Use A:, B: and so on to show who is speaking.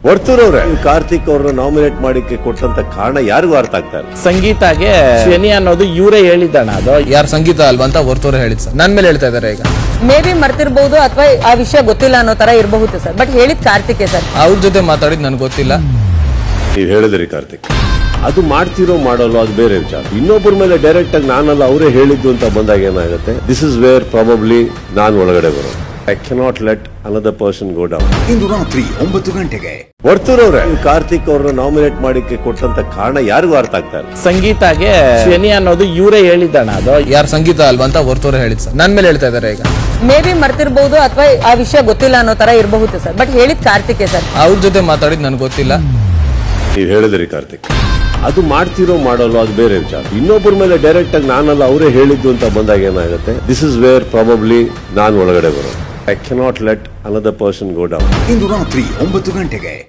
A: ವರ್ತೂರವ್ರೆ, ಕಾರ್ತಿಕ್ ಅವ್ರನ್ನ ನಾಮಿನೇಟ್ ಮಾಡಿಕ್ಕೆ ಕೊಟ್ಟಂತ ಕಾರಣ ಯಾರಿಗೂ ಅರ್ಥ ಆಗ್ತಾ ಇಲ್ಲ.
B: ಸಂಗೀತಾಗೆ ಶನಿ ಅನ್ನೋದು ಇವರೇ ಹೇಳಿದ್ದಣ. ಅದು
C: ಯಾರು ಸಂಗೀತ ಅಲ್ವಾ ಅಂತ ಹೊರತೋರೆ ಹೇಳಿದ್ ಸರ್. ನನ್ ಮೇಲೆ ಹೇಳ್ತಾ ಇದಾರೆ ಈಗ.
D: ಮೇ ಬಿ ಮರ್ತಿರ್ಬಹುದು ಅಥವಾ ಆ ವಿಷಯ ಗೊತ್ತಿಲ್ಲ ಅನ್ನೋ ತರ ಇರಬಹುದು ಸರ್. ಬಟ್ ಹೇಳಿದ್ ಕಾರ್ತಿಕ್ ಸರ್.
C: ಅವ್ರ ಜೊತೆ ಮಾತಾಡಿದ್ ನನ್ಗೆ ಗೊತ್ತಿಲ್ಲ.
A: ನೀವ್ ಹೇಳಿದ್ರಿ ಕಾರ್ತಿಕ್, ಅದು ಮಾಡ್ತಿರೋ ಮಾಡಲ್ಲ ಅದು ಬೇರೆ ವಿಚಾರ. ಇನ್ನೊಬ್ಬರ ಮೇಲೆ ಡೈರೆಕ್ಟ್ ಆಗಿ ನಾನಲ್ಲ ಅವರೇ ಹೇಳಿದ್ದು ಅಂತ ಬಂದಾಗ ಏನಾಗುತ್ತೆ, ದಿಸ್ ಇಸ್ ವೇರ್ ಪ್ರಾಬಬ್ಲಿ ನಾನು ಒಳಗಡೆ ಬರೋದು. I cannot let another person go down.
E: ಇಂದು ರಾತ್ರಿ 9 ಗಂಟೆಗೆ
A: ವರ್ತೂರವ್ರೆ, ಕಾರ್ತಿಕ್ ಅವ್ರನ್ನ ನಾಮಿನೇಟ್ ಮಾಡಿಕ್ಕೆ ಕೊಟ್ಟಂತ ಕಾರಣ ಯಾರಿಗೂ ಅರ್ಥ ಆಗ್ತಾ ಇಲ್ಲ.
B: ಸಂಗೀತಾಗೆ ಶನಿ ಅನ್ನೋದು ಇವರೇ ಹೇಳಿದ್ದಣ. ಅದು
C: ಯಾರು ಸಂಗೀತ ಅಲ್ವಾ ಅಂತ ಹೊರತೋರೆ ಹೇಳಿದ್ ಸರ್. ನನ್ ಮೇಲೆ ಹೇಳ್ತಾ ಇದಾರೆ ಈಗ.
D: ಮೇ ಬಿ ಮರ್ತಿರ್ಬಹುದು ಅಥವಾ ಆ ವಿಷಯ ಗೊತ್ತಿಲ್ಲ ಅನ್ನೋ ತರ ಇರಬಹುದು ಸರ್. ಬಟ್ ಹೇಳಿದ್ ಕಾರ್ತಿಕ್ ಸರ್.
C: ಅವ್ರ ಜೊತೆ ಮಾತಾಡಿದ್ ನನ್ಗೆ ಗೊತ್ತಿಲ್ಲ.
A: ನೀವ್ ಹೇಳಿದ್ರಿ ಕಾರ್ತಿಕ್, ಅದು ಮಾಡ್ತಿರೋ ಮಾಡಲ್ಲ ಅದು ಬೇರೆ ವಿಚಾರ. ಇನ್ನೊಬ್ಬರ ಮೇಲೆ ಡೈರೆಕ್ಟ್ ಆಗಿ ನಾನಲ್ಲ ಅವರೇ ಹೇಳಿದ್ದು ಅಂತ ಬಂದಾಗ ಏನಾಗುತ್ತೆ, ದಿಸ್ ಇಸ್ ವೇರ್ ಪ್ರಾಬಬ್ಲಿ ನಾನು ಒಳಗಡೆ ಬರೋದು. I cannot let another person go down.
E: ಇಂದು ರಾತ್ರಿ 9 ಗಂಟೆಗೆ